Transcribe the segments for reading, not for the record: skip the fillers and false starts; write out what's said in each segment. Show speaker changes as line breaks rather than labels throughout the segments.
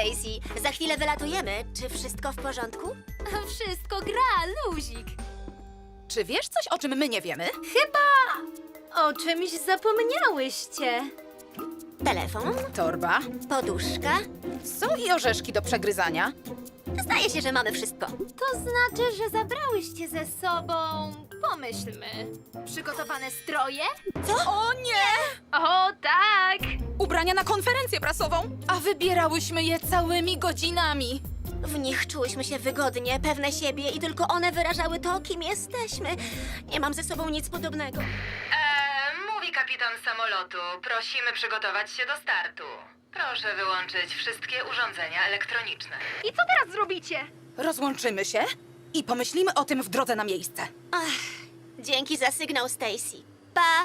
Stacy. Za chwilę wylatujemy. Czy wszystko w porządku?
Wszystko gra, luzik.
Czy wiesz coś, o czym my nie wiemy?
O czymś zapomniałyście.
Telefon,
Torba.
poduszka.
Są i orzeszki do przegryzania.
Zdaje się, że mamy wszystko.
To znaczy, że zabrałyście ze sobą... Pomyślmy. Przygotowane stroje?
O nie!
O, tak!
Ubrania na konferencję prasową, a wybierałyśmy je całymi godzinami.
W nich czułyśmy się wygodnie, pewne siebie i tylko one wyrażały to, kim jesteśmy. Nie mam ze sobą nic podobnego.
Mówi kapitan samolotu. Prosimy przygotować się do startu. Proszę wyłączyć wszystkie urządzenia elektroniczne.
I co teraz zrobicie?
Rozłączymy się i pomyślimy o tym w drodze na miejsce.
Dzięki za sygnał, Stacy. Pa!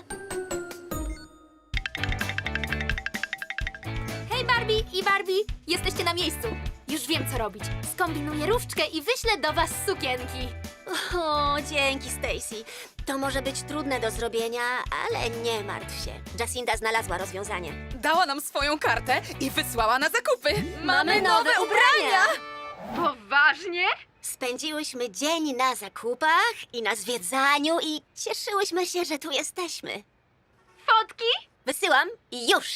Hej, Barbie i Barbie! Jesteście na miejscu. Już wiem, co robić. Skombinuję różdżkę i wyślę do was sukienki.
O, dzięki, Stacy. To może być trudne do zrobienia, ale nie martw się. Jacinda znalazła rozwiązanie.
Dała nam swoją kartę i wysłała na zakupy.
Mamy nowe ubrania!
Poważnie?
Spędziłyśmy dzień na zakupach i na zwiedzaniu i cieszyłyśmy się, że tu jesteśmy.
Fotki?
Wysyłam i już!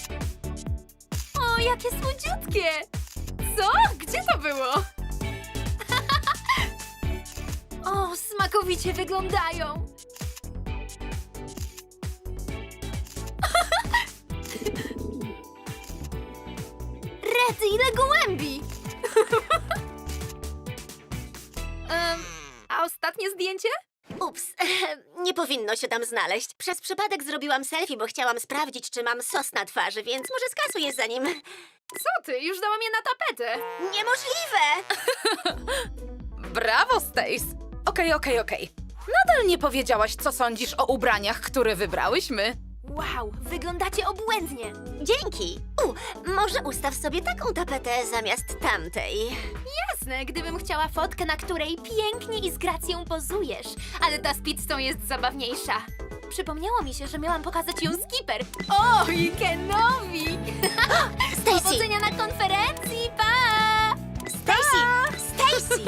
O, jakie słodziutkie! Co? Gdzie to było? O, smakowicie wyglądają! Rety, ile gołębi! A ostatnie zdjęcie?
Ups, nie powinno się tam znaleźć. Przez przypadek zrobiłam selfie, bo chciałam sprawdzić, czy mam sos na twarzy, więc może skasuję za nim.
Co ty? Już dałam je na tapetę.
Niemożliwe!
Brawo, Stace. Okej. Nadal nie powiedziałaś, co sądzisz o ubraniach, które wybrałyśmy.
Wow, wyglądacie obłędnie.
Dzięki! Może ustaw sobie taką tapetę zamiast tamtej.
Jasne, gdybym chciała fotkę, na której pięknie i z gracją pozujesz. Ale ta z pizzą jest zabawniejsza. Przypomniało mi się, że miałam pokazać ją Skipper. O, i Kenowi!
Stacy!
Powodzenia na konferencji, pa!
Stacy! Stacy!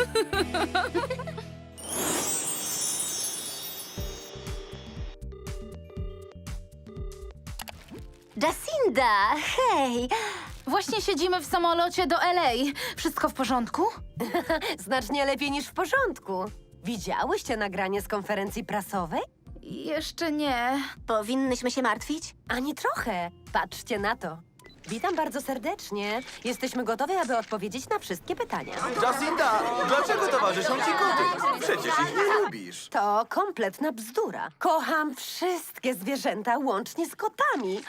Jacinda, hej!
Właśnie siedzimy w samolocie do LA. Wszystko w porządku?
Znacznie lepiej niż w porządku. Widziałyście nagranie z konferencji prasowej?
Jeszcze nie.
Powinnyśmy się martwić?
Ani trochę. Patrzcie na to. Witam bardzo serdecznie. Jesteśmy gotowi, aby odpowiedzieć na wszystkie pytania.
Jacinda, dlaczego towarzyszą ci koty? Przecież ich nie lubisz.
To kompletna bzdura. Kocham wszystkie zwierzęta, łącznie z kotami.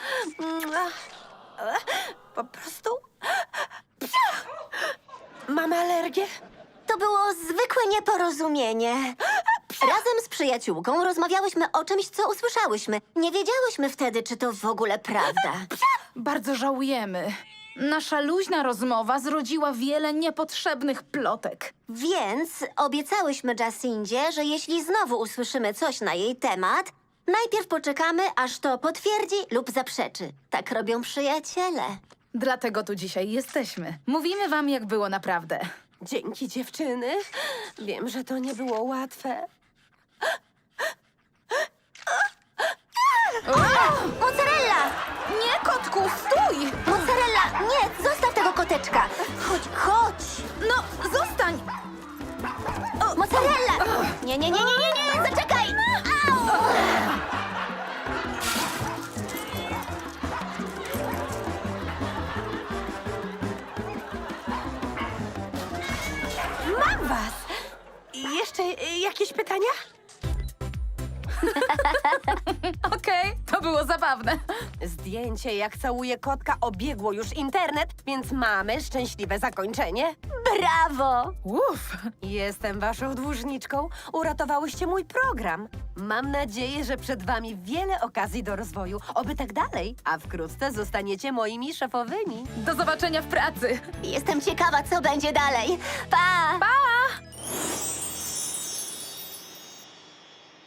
Po prostu... Mam alergię.
To było zwykłe nieporozumienie. Razem z przyjaciółką rozmawiałyśmy o czymś, co usłyszałyśmy. Nie wiedziałyśmy wtedy, czy to w ogóle prawda.
Bardzo żałujemy. Nasza luźna rozmowa zrodziła wiele niepotrzebnych plotek.
Więc obiecałyśmy Jacindzie, że jeśli znowu usłyszymy coś na jej temat, najpierw poczekamy, aż to potwierdzi lub zaprzeczy. Tak robią przyjaciele.
Dlatego tu dzisiaj jesteśmy. Mówimy wam, jak było naprawdę.
Dzięki, dziewczyny. Wiem, że to nie było łatwe.
Mozzarella!
Nie, kotku, stój!
Mozzarella! Nie, zostaw tego koteczka! Chodź!
No, zostań!
Mozzarella! Nie, zaczekaj! Au!
Mam was! I jeszcze jakieś pytania?
Okej, to było zabawne.
Zdjęcie, jak całuje kotka, obiegło już internet, więc mamy szczęśliwe zakończenie.
Brawo!
Uff.
Jestem waszą dłużniczką. Uratowałyście mój program. Mam nadzieję, że przed wami wiele okazji do rozwoju. Oby tak dalej, a wkrótce zostaniecie moimi szefowymi.
Do zobaczenia w pracy.
Jestem ciekawa, co będzie dalej. Pa!
Pa!